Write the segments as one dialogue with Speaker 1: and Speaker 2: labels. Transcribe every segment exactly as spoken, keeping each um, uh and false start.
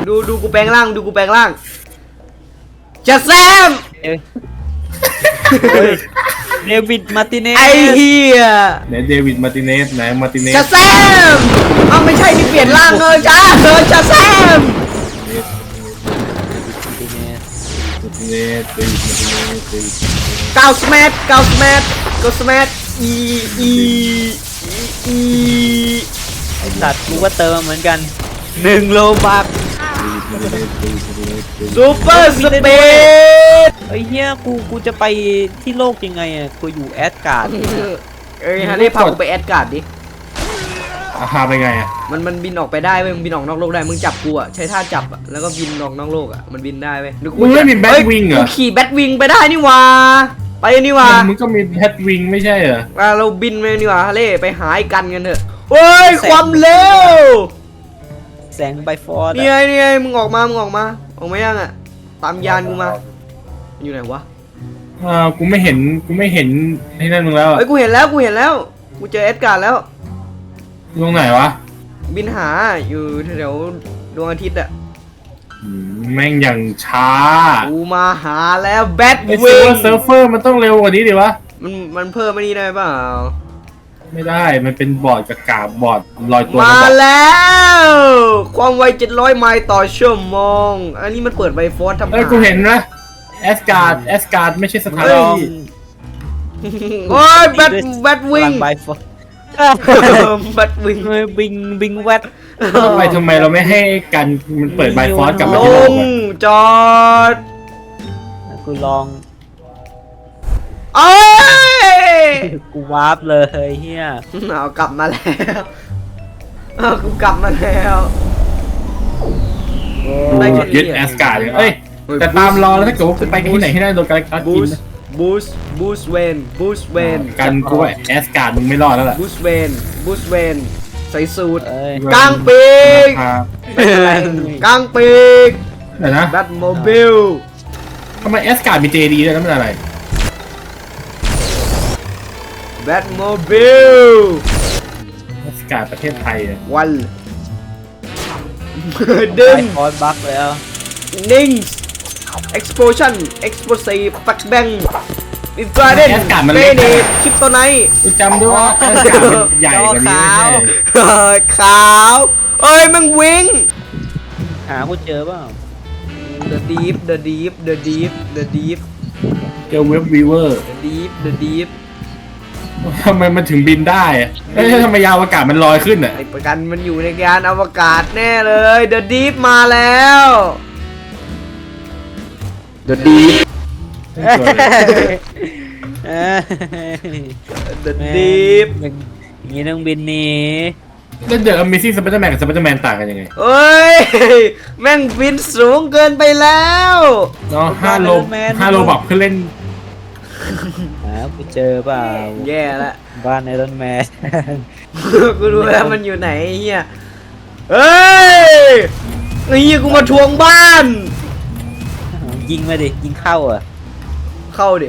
Speaker 1: ดูดูกูแปลงร่างดูกูแปลงร่างจะแซม
Speaker 2: เดวิดมาร์ติเนส
Speaker 1: ไอ้เหี้ย
Speaker 3: ไหนเดวิดมาร์ติเนสไหนมาร์ติเนส
Speaker 1: จะแซมเอาไม่ใช่นี่เปลี่ยนร่างเลยจ้าเออจะแซม
Speaker 3: มาร์ติเนสเดวิดมาร์ติเนสเดวิด
Speaker 1: เก้าสแมทเก้าสแมทเก้าสแมทอีอีอี
Speaker 2: ไอ้สัตว์กูก็เติมเหมือนกันหนึ่งโลบัก
Speaker 1: ซูเปอร์สเปซ
Speaker 2: ไอ้เหี้ยกูกูจะไปที่โลกยังไงอ่ะกูอยู่แอสการ์ด
Speaker 1: เอ้ยฮะนี่พากูไปแอดการ์ดดิ
Speaker 3: อาหาไปไงอ่ะ
Speaker 1: มันมันบินออกไปได้เว้ยมึงบินออกนอกโลกได้มึงจับกูอ่ะใช้ท่าจับอ่ะแล้วก็บินออกนอกโลกอ่ะมันบินได้เว้ย
Speaker 3: มึงไม่มีแบทวิงเหรอ
Speaker 1: กูขี่แบทวิงไปได้นี่หว่าไปนี่หว่า
Speaker 3: มึงก็มีแบทวิงไม่ใช่เหรอ
Speaker 1: อ่ะเราบินไปนี่หว่าฮะเล่ไปหาไอ้กันกันเถอะเฮ้ยความเร็ว
Speaker 2: แสงไบฟอร์ด
Speaker 1: นี่ไงนี่ไงมึงออกมามึงออกมาออกมายังอ่ะตามยานกูมาอยู่ไหนวะ
Speaker 3: อ่ากูไม่เห็นกูไม่เห็นที่นั่นมึงแล้วอ่ะ
Speaker 1: เฮ้ยกูเห็นแล้วกูเห็นแล้วกูเจอแอดการ์ดแล้ว
Speaker 3: ตรงไหนวะ
Speaker 1: บินหาอยู่แถวดวงอาทิตย์อ่ะ
Speaker 3: อืมแม่งอย่างช้า
Speaker 1: กูมาหาแล้วแบท
Speaker 3: ไอ้
Speaker 1: วิ
Speaker 3: เซิร์ฟ
Speaker 1: ง
Speaker 3: เวอร์เซิร์ฟเฟอร์มันต้องเร็วกว่านี้ดิวะ
Speaker 1: มันมันเพิ่มไม่นี่ได้เปล่า
Speaker 3: ไม่ได้มันเป็นบอร์ดกับกาบบอร์ดลอยตัว
Speaker 1: มา
Speaker 3: บอร์ด
Speaker 1: แล้ว ความไวเจ็ดร้อยไมล์ต่อชั่วโมงอันนี้มันเปิดไวฟอสทำ
Speaker 3: เอ้ยกูเห็นนะแอสการ์ดแอสการ์ดไม่ใช่สถาน
Speaker 2: ลอง
Speaker 3: ที่
Speaker 1: โอ้ยแบทแบทวิง
Speaker 2: ไบฟอร์ด
Speaker 1: แบทวิง
Speaker 2: เฮ้ยบิงบิงแวด
Speaker 3: ทำไมทำไมเราไม่ให้กันมันเปิดไบฟอสกลับ
Speaker 1: ล
Speaker 3: มาที่โลก
Speaker 1: ง
Speaker 3: อะ
Speaker 1: จอด
Speaker 2: กูลอง
Speaker 1: เอ้ย
Speaker 2: กูวาร์ปเลยเฮีย
Speaker 1: เอากลับมาแล้วเอากูกลับมาแล้ว ได้แค่นี้
Speaker 3: ยึดแอสการ์ดเลยเอ้ยแต่ตามรอแล้วถ้าเกิดว่ากูไปที่ไหนให้ได้โดนการกัด
Speaker 1: บู
Speaker 3: กิน
Speaker 1: ส
Speaker 3: นะ
Speaker 1: บูสบูสเวนบูสเวน
Speaker 3: กันกูว่าแอสการ์ดมึงไม่รอดแล้วล่ะ
Speaker 1: บูสเวนบูสเวนใส่สูท
Speaker 2: เอ้ย
Speaker 1: กลางปีก
Speaker 3: ครับ
Speaker 1: กลางปีก
Speaker 3: เดี๋ยวนะ
Speaker 1: แบทโมบิล
Speaker 3: ทำไมแอสการ์ดมีเจดีด้วยนะมันอะไร
Speaker 1: แบทโมบิล
Speaker 3: แอสการ์ดประเทศไทยอะ
Speaker 1: วัน ดึง
Speaker 2: ไบฟอร์ดบักแล้ว
Speaker 1: นิ่ง explosion explosive back bang อินฟราเรด
Speaker 3: แอสการ์ดมัน
Speaker 1: เบ
Speaker 3: เล็ก
Speaker 1: เน
Speaker 3: นะ
Speaker 1: ตคริปโตไนท์
Speaker 3: กูจำด้วยว่าแอสการ์ดมันใหญ่กว่านี้ไม่ใช่
Speaker 1: ขาวเอ้ยมึงวิ่ง
Speaker 2: หากูเจอเปล่า
Speaker 1: The deep the deep the deep the deep
Speaker 3: เจอเว็บวีเวอร์
Speaker 1: the deep the deep
Speaker 3: ทำไมมันถึงบินได้อะเอ้ยทำไมยาวอากาศมันลอยขึ้นอ่ะ
Speaker 1: ไอประกันมันอยู่ในยานอวกาศแน่เลย The deep มาแล้ว The deep
Speaker 2: เอ้ย
Speaker 1: The deep
Speaker 2: อย่างนี้ต้องบินหนี
Speaker 3: แล้วเดอะ Amazing Spider-Man กับ Spider-Man ต่างกันยังไง
Speaker 1: เอ้ย แม่งบินสูงเกินไปแล้ว
Speaker 3: เนาะห้าโลห้าโลบอกเพื่อเล่น
Speaker 2: หากูเจอเปล่า
Speaker 1: แย่ละ
Speaker 2: บ้านไอรอนแมน
Speaker 1: กูรู้แล้วมันอยู่ไหนไอ้เฮียเฮ้ยไอ้เฮียกูมาทวงบ้าน
Speaker 2: ยิงมาดิยิงเข้าอ่ะ
Speaker 1: เข้าดิ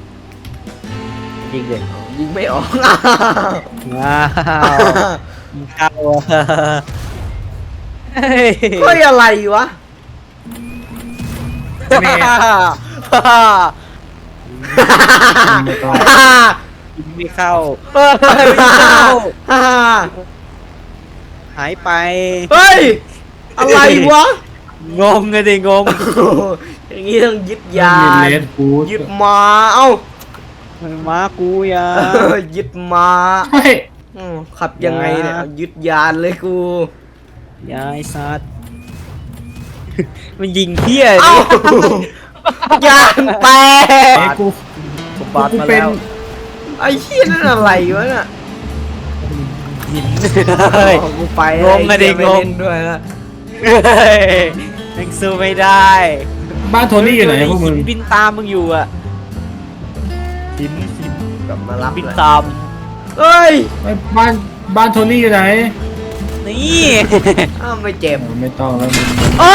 Speaker 2: ยิงดิ
Speaker 1: ยิงไม่ออก
Speaker 2: ว้าวยิงเข้าอ่ะเฮ้ย
Speaker 1: เฮ้ยอะไรวะ
Speaker 3: แม่ ไม่ต้อง
Speaker 2: ยิงไม่เข้า
Speaker 1: เฮ้ยไม่เข้า
Speaker 2: หายไป
Speaker 1: เฮ้ยอะไรวะ
Speaker 2: งงเลยดิงง
Speaker 1: อย่างงี้ต้องยึดยา
Speaker 3: มี
Speaker 1: น
Speaker 3: เลดฟูด
Speaker 1: ยึดมาเอ้า
Speaker 2: ม้ากูยา
Speaker 1: ยึดมา
Speaker 3: เฮ้ย
Speaker 1: อืมขับยังไงเนี่ยเอายึดยานเลยกู
Speaker 2: ยายสัตว์มันยิงเที่ย
Speaker 1: เอ้า ยานแต
Speaker 3: ไอ้
Speaker 1: ก
Speaker 3: กู
Speaker 2: กูบาด
Speaker 3: กู
Speaker 2: มา
Speaker 3: เป็น
Speaker 2: แล้ว
Speaker 1: ไอ้เหี้ยนั่นอะไรวะน่ะ
Speaker 2: ยิงเฮ้ย
Speaker 1: โอ้กูไป
Speaker 2: งงอะดิ
Speaker 1: ไอ้เหี้ยไม่
Speaker 2: งง
Speaker 1: เล่นด้วยละ
Speaker 2: เฮ้ยยังสู้ไม่ได้
Speaker 3: บ้านโทนี่อยู่ไหนพวกมึง
Speaker 2: บินตามมึงอยู่อ่ะบินบิน
Speaker 1: กลับมารับ
Speaker 2: บิน
Speaker 1: เลย
Speaker 2: ตาม
Speaker 1: เอ้ย
Speaker 3: ไอ้บ้านบ้านโทนี่อยู่ไหน
Speaker 2: นี่
Speaker 1: อ้าวไม่เจ็บ
Speaker 3: ไม่ต้องแล้วมึง
Speaker 1: อ้อ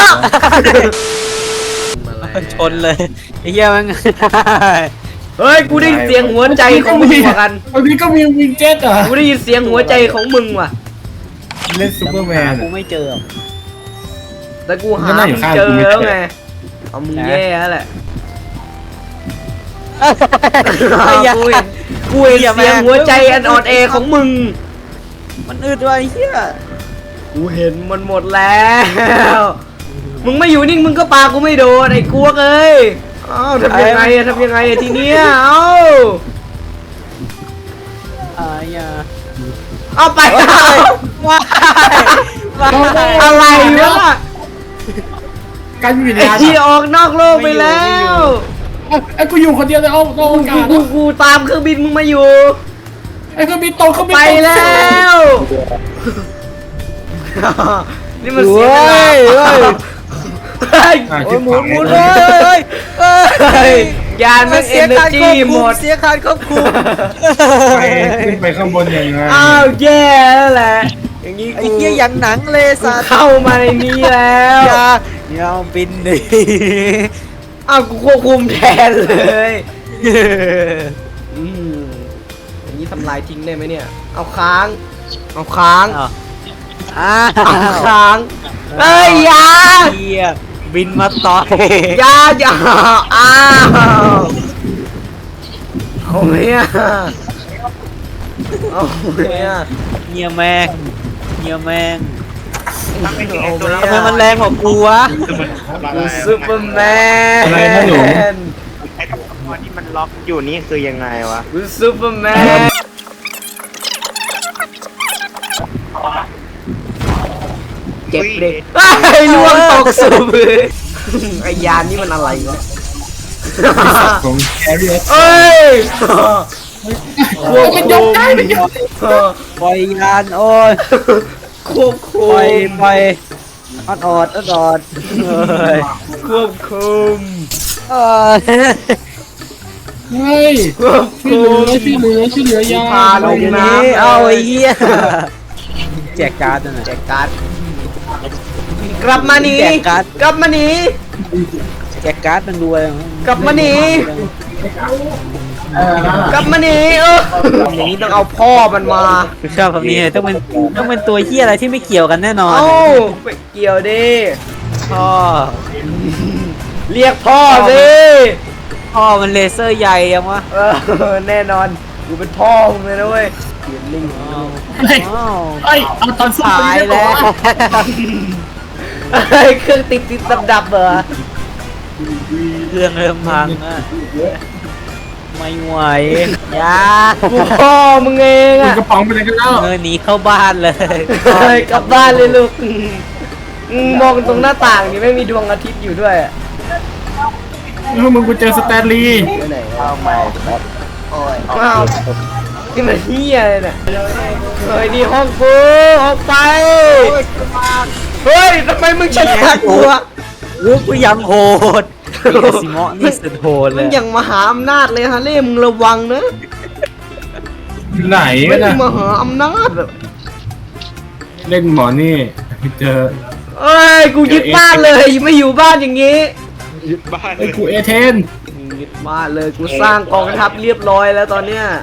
Speaker 2: ชนเลยไอ้เหี้ยมัน
Speaker 1: เฮ้ยกูได้ยินเสียงหัวใจของมึงว่ะกัน
Speaker 3: บางทีก็มีวิงเจ็ตเหรอ
Speaker 1: กูได้ยินเสียงหัวใจของมึงว่ะ
Speaker 3: เล่นซูเปอร์แมน
Speaker 2: กูไม่เจอ
Speaker 1: แต่กูหา
Speaker 3: ก็นั่งอยู่
Speaker 1: มึง
Speaker 3: ข้าง
Speaker 1: เจ
Speaker 3: กู
Speaker 1: อ
Speaker 3: ไม่
Speaker 1: แล้ว
Speaker 3: เจอ
Speaker 1: ไงเอามึงแย่แล้วแหละ
Speaker 2: ไอ้ยา
Speaker 1: กูเห็นกูเห็น
Speaker 2: เหี้ย
Speaker 1: เสียง
Speaker 2: แม่ง
Speaker 1: หัวใจอันอ่อนแอของมึง
Speaker 2: มันอึดว่ะไอ้เหี้ย
Speaker 1: กูเห็นมันหมดแล้ว มึงไม่อยู่นิ่งมึงก็ปากูไม่โดนไอ้กวกเอ้ยเอ้าทำยังไงอะทำยังไงอะทีเนี้ยเอ้า
Speaker 2: อ่าอย่า
Speaker 1: เอาไป
Speaker 2: ว้ายว้าย
Speaker 1: อะไรวะ
Speaker 3: การมีวิญ
Speaker 1: ไอ้
Speaker 3: ญาณ
Speaker 1: ที่ออกนอกโลกไปแล้ว
Speaker 3: ไอ้กูอยู่คนเดียวเลยเอาโอ
Speaker 1: กู
Speaker 3: กาส
Speaker 1: กูกูตามเครื่องบินมึงมาอยู่
Speaker 3: ไอ้เครื่องบินตกเครื่องบิน
Speaker 1: ไป
Speaker 3: ตก
Speaker 1: แล้ว นี่มัน
Speaker 2: เฮ้
Speaker 1: เสียเวลาย
Speaker 2: เฮ้ย
Speaker 1: เฮ้ย
Speaker 3: อ่ะ
Speaker 2: โอ้
Speaker 3: ชิ
Speaker 2: ย
Speaker 3: บ
Speaker 2: หมุ
Speaker 3: หาน ย
Speaker 2: หมุน
Speaker 3: เล
Speaker 2: เลย ยเฮ้ยเฮ้ย
Speaker 1: เฮ้ยยานมัน
Speaker 2: เสี
Speaker 1: เอย เนอ
Speaker 2: การ
Speaker 1: ร์
Speaker 2: คว
Speaker 1: จี
Speaker 2: บ
Speaker 1: ห
Speaker 2: คุ
Speaker 1: ม
Speaker 2: ม
Speaker 1: ด
Speaker 2: เสียการควบคุม
Speaker 3: ไปขึ้นไปข้างบนยังไง
Speaker 1: อ้าวแย่แล้วแหละ อย่างนี้
Speaker 2: ไอ้
Speaker 1: กู
Speaker 2: เหี้ยอย่างหนังเลย
Speaker 1: กู
Speaker 2: สัตว์
Speaker 1: เข้ามาในนี้แล้ว
Speaker 2: อย่าอย่าเอาบินดิ
Speaker 1: อ้าวกูควบคุมแทนเลยอืมอย่างนี้ทำลายทิ้งได้ไหมเนี่ย เอาค้าง เอาค้าง
Speaker 2: อ้าวอ้า
Speaker 1: เอา
Speaker 2: ว
Speaker 1: ค้างเอ้ยอยา
Speaker 2: เหี้ยบินมาต่อย
Speaker 1: อยาอยาอ้าวเอาเนี่ยเอาเนี่ย
Speaker 2: เงียแมงเงียแมง
Speaker 1: เอาเนี่ย
Speaker 2: ทำไมมันแรงกว่ากูวะ
Speaker 1: กูซูเปอร์แมน
Speaker 3: อะไรนะหนู
Speaker 4: ไอ้ตัวที่มันล็อกอยู่นี่คือยังไงวะ
Speaker 1: กูซูเปอร์แมนเจ็บดิไอ้ยล่วงตกสูบเลยไอ้ยานนี่มันอะไรวะ
Speaker 3: ของแคริเอส
Speaker 1: เอ้ย
Speaker 3: มันยกได้มันยกได้
Speaker 2: ปล่อยยานโอ้ย
Speaker 1: ควบคุ
Speaker 2: ปล่อย
Speaker 1: ม
Speaker 2: ปล่อยออดออดออดออดเฮ้ย
Speaker 1: ควบคุม
Speaker 2: เอ้ย
Speaker 3: เฮ้ย
Speaker 1: ควบ
Speaker 3: ช่วย
Speaker 1: คุ
Speaker 3: เหลื
Speaker 1: ม
Speaker 3: อช่วยเหลือช่วยเหลือยา
Speaker 1: พาลงน้ำ
Speaker 2: เอาไอ้เหี้ยแจกการ์ดนั่น
Speaker 1: แจ
Speaker 2: น่ะ
Speaker 1: กการ์ดกลับมาหนี
Speaker 2: แจกการ์ด
Speaker 1: กลับมาหนี
Speaker 2: แจกการ์ดมันรวย
Speaker 1: กลับมาหนี กลับมาหนีเอออย่างนี้ต้องเอาพ่อมันมา
Speaker 2: กูชอบคำนี้เลยต้องเป็นต้องเป็นตัวเหี้ยอะไรที่ไม่เกี่ยวกันแน่นอน
Speaker 1: เอ้าไปเกี่ยวดิ
Speaker 2: พ่อ
Speaker 1: เรียกพ่อสิ
Speaker 2: พ่อมันเลเซอร์ใหญ่ยังวะ
Speaker 1: เออแน่นอนกูเป็นพ่อมึงเลยนะเว้ยเขียนลิงก์
Speaker 2: อ้าว
Speaker 3: เฮ้ย
Speaker 2: อ้าว
Speaker 3: เฮ้ยเอาตอนสู้
Speaker 2: ตายแล้ว
Speaker 1: เฮ้ยเครื่องติดติดดับดับๆเหรอ
Speaker 2: เครื่องเริ่มพังอะไม่ไหวอยา
Speaker 1: กูพ่อมึงเอง
Speaker 3: มึง
Speaker 1: อะ
Speaker 3: กระป๋องไปเลยกันแล้ว
Speaker 2: เงินหนีเข้าบ้านเลย
Speaker 1: เฮ้ยกลับบ้านเลยลูกอืมมองตรงหน้าต่างนี่ไม่มีดวงอาทิตย์อยู่ด้วยอะ
Speaker 3: เออมึงกูเจอสแตนลีย์
Speaker 1: ไปไหนเอาใหม่โอ้ยอ้าวนี่มันเฮียเลยเนี่ยเฮ้ยนี่ห้องกูออกไปเฮ้ยทำไมมึงชนะกูอะ
Speaker 2: รู้กูยังโหดปีกาซิโมะนี่สุดโหดเล
Speaker 1: มึง
Speaker 2: ย
Speaker 1: อย่างมหาอำนาจเลยฮะเล่มึงระวังนะ
Speaker 3: อยู่ไหน
Speaker 1: ไม่
Speaker 3: กัน
Speaker 1: ได้
Speaker 3: นะ
Speaker 1: มหาอำนาจแบบ
Speaker 3: เล่นหมอนี่เจอ
Speaker 1: เอ้ยกูยึดบ้านเลยไม่อยู่บ้านอย่างงี้
Speaker 4: ยึดบ้าน
Speaker 3: ไอ้กูเอเทน
Speaker 1: ยึดบ้านเลยกูสร้างกองทัพเรียบร้อยแล้วตอนเนี้ย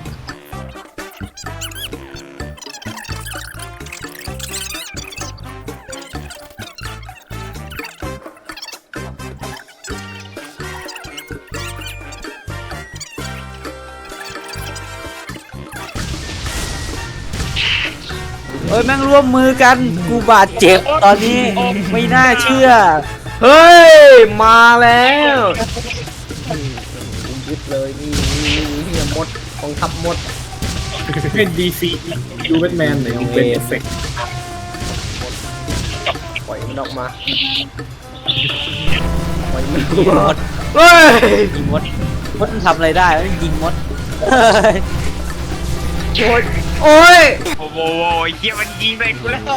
Speaker 2: เอ้ยแม่งร่วมมือกันกูบาดเจ็บตอนนี้ไม่น่าเชื่อ
Speaker 1: เฮ้ยมาแล้วยึดเลยนี่นี่นี่นี่มดกองทัพมด
Speaker 3: เป็นดีซีดูแบทแมนหน่อยดูเป็นเอฟเฟกต์
Speaker 1: ปล่อยมันออกมาปล่อยมันอ
Speaker 2: ยิ
Speaker 1: อง ก
Speaker 2: ม
Speaker 1: มา
Speaker 2: ด
Speaker 1: เฮ้ย
Speaker 2: ยิงมดมดมันทำอะไรได้มันยิงมดเฮ้ย
Speaker 1: โอ้ยโอ้ย
Speaker 4: โอ้โหเฮียมันยิงไปกูแล้ว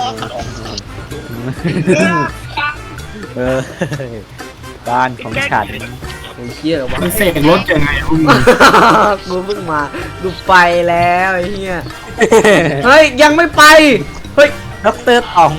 Speaker 2: เออบ้านของฉัน
Speaker 1: โอ้ยเชี่ยเหรอวะ
Speaker 3: มันเสกรถยังไงพวกมึง
Speaker 1: กูเพิ่งมากูไปแล้วไอ้เหี้ยเฮ้ยยังไม่ไปเฮ้ย
Speaker 2: ด็อกเตอร์ต๋อง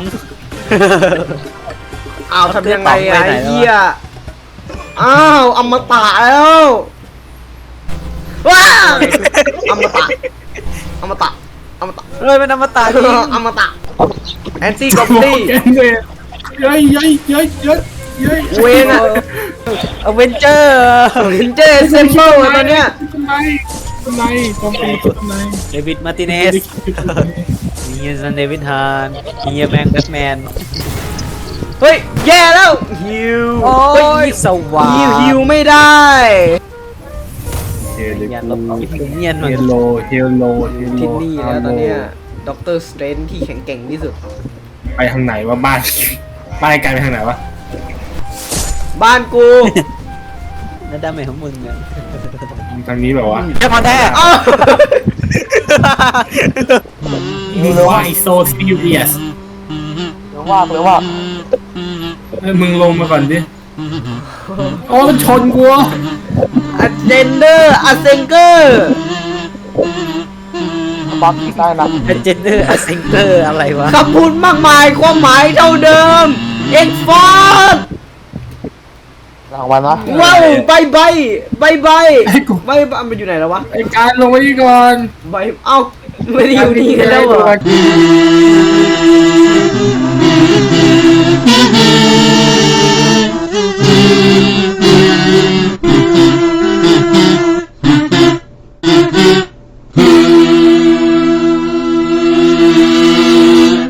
Speaker 1: อ้าวทำยังไง
Speaker 2: ไป
Speaker 1: อะ
Speaker 2: ไหน
Speaker 1: ไอ้
Speaker 2: แล้ววะ
Speaker 1: เหี้ยอ้าวอมตะแล้วว้าอมตะอมตะอมตะ
Speaker 2: เฮ้ยเป็นอมตะจริง
Speaker 1: อมตะแอนตี้กอบลี่
Speaker 3: แกนเวเย้ยเย้ยเย้ยเย้ยเย้ย
Speaker 1: เวนอะ
Speaker 2: อเวนเจอร์
Speaker 1: เห็นเจเซมเปิลตอนเนี้ย
Speaker 3: ทำไมทำไมทำไมทำไม
Speaker 2: เดวิดมาร์ติเนสเฮียซันเดวิดฮานเฮียแมงแบทแมน
Speaker 1: เฮ้ยแย่แล้วฮิว
Speaker 2: โอ้
Speaker 1: เฮ้
Speaker 2: ยสว่าง
Speaker 1: ฮิวฮิวไม่ได้
Speaker 3: เฮล
Speaker 2: อย่า
Speaker 3: โล
Speaker 2: ลบอีกเนียนมัน
Speaker 3: เฮลโลเฮลโลเฮลโล
Speaker 1: ที่นี่แล้วตอนเนี้ยด็อกเตอร์สเตรนที่แข็งแกร่งที่สุด
Speaker 3: ไปทางไหนวะบ้านบ้านไกลไปทางไหนวะ
Speaker 1: บ้านกู
Speaker 2: นั่นได้ไหมของมึงเนี่ย
Speaker 3: ทางนี้แบบว่า
Speaker 2: แค่พอแท้
Speaker 1: อ้าว
Speaker 3: Why so serious
Speaker 2: เดี๋ยวว่าเดี๋ยวว่า
Speaker 3: เอ้ยมึงลงมาก่อนดิโอ้มันชนกู
Speaker 1: อะเจนเดอร์อะเซงเกอร์
Speaker 2: บักได้นะเจนเดอร์อะเซงเกอร์อะไรวะ
Speaker 1: คำพูดมากมายความหมายเท่าเดิมเอ็กฟอร์ด
Speaker 2: รางวัลนะ
Speaker 1: ว้าวใบใบใบใบ
Speaker 3: ไอ้กู
Speaker 1: ใบใบมันอยู่ไหนแล้ววะ
Speaker 3: ไอ้การลงมานี่ก่อน
Speaker 1: ใบเอ้าไม่ได้อยู่นี่กันแล้วเหรอ